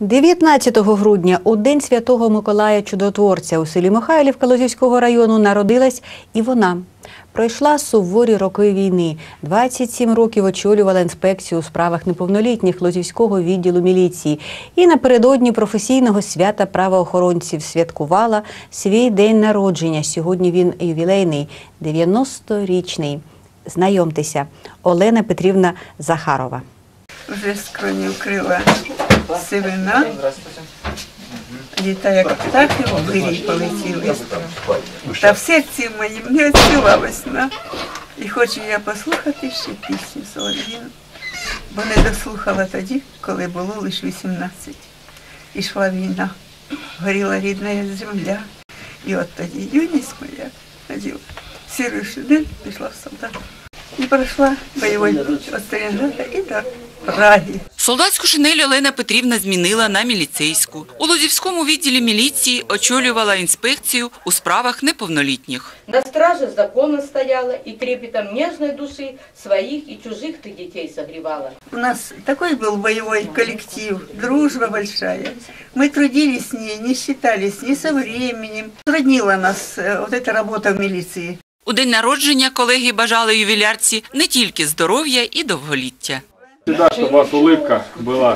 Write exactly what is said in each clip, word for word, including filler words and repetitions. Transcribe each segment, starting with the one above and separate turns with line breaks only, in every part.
дев'ятнадцятого грудня, у День Святого Миколая Чудотворця, у селі Михайлівка Лозівського району народилась і вона. Пройшла суворі роки війни. двадцять сім років очолювала інспекцію у справах неповнолітніх Лозівського відділу міліції. І напередодні професійного свята правоохоронців святкувала свій день народження. Сьогодні він ювілейний, дев'яносторічний. Знайомтеся, Олена Петрівна Захарова.
Вже скроні вкрила сивина. Літа, як птахи в вирій полетіли. Та в серці моїм не відчула весна. І хочу я послухати ще пісню Солов'їну, бо не дослухала тоді, коли було лише вісімнадцять. Ішла війна, горіла рідна земля. І от тоді юність моя ходила, сірий шинель, пішла в солдат. І пройшла бойовий путь від Сталінграда і до Праги.
Солдатську шинель Олена Петрівна змінила на міліцейську. У Лозівському відділі міліції очолювала інспекцію у справах неповнолітніх.
На страже закона стояла и трепетом нежной души своих и чужих ты детей согревала.
У нас такой был боевой коллектив, дружба большая. Мы трудились с ней, не считались ни со временем. Труднила нас вот эта работа в милиции.
У день народження колеги бажали ювілярці не тільки здоров'я і довголіття.
Всегда, чтобы у вас улыбка была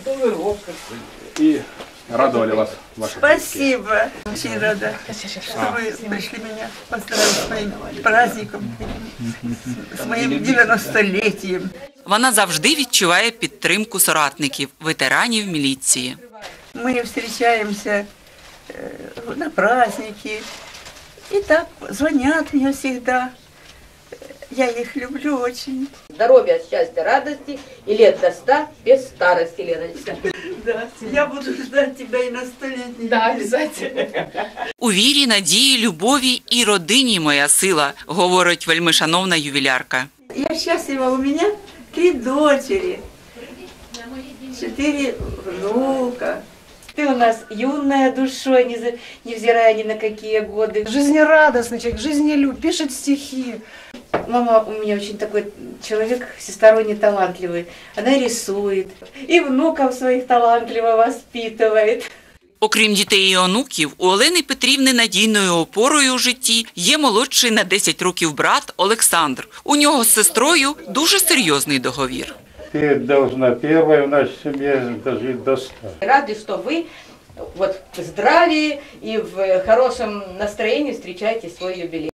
и радовали вас ваши.
Спасибо. Очень рада, что вы пришли меня поздравить с моим праздником, с моим девяностолетием.
Вона завжди відчуває підтримку соратників, ветеранів міліції.
Мы встречаемся на праздники, и так звонят мне всегда. Я их люблю очень.
Здоровья, счастья, радости и лет до ста без старости, Леночка.
Да, я буду ждать тебя и на столетний.
Да, обязательно.
У вірі, надії, любові і родині моя сила, говорить вельмишановна ювілярка.
Я счастлива, у меня три дочери, четыре внука.
Ты у нас юная душой, невзирая ни на какие годы.
Жизнерадостный человек, жизнелюб, пишет стихи.
Мама у меня очень такой человек всесторонне талантливый. Она рисует и внуков своих талантливо воспитывает.
Окрім дітей і онуків, у Олени Петрівни надійною опорою у житті є молодший на десять років брат Олександр. У нього з сестрою дуже серйозний договір.
Ты должна первая в нашей семье дожить до ста.
Рады, что вы вот в здравии и в хорошем настроении встречаете свой юбилей.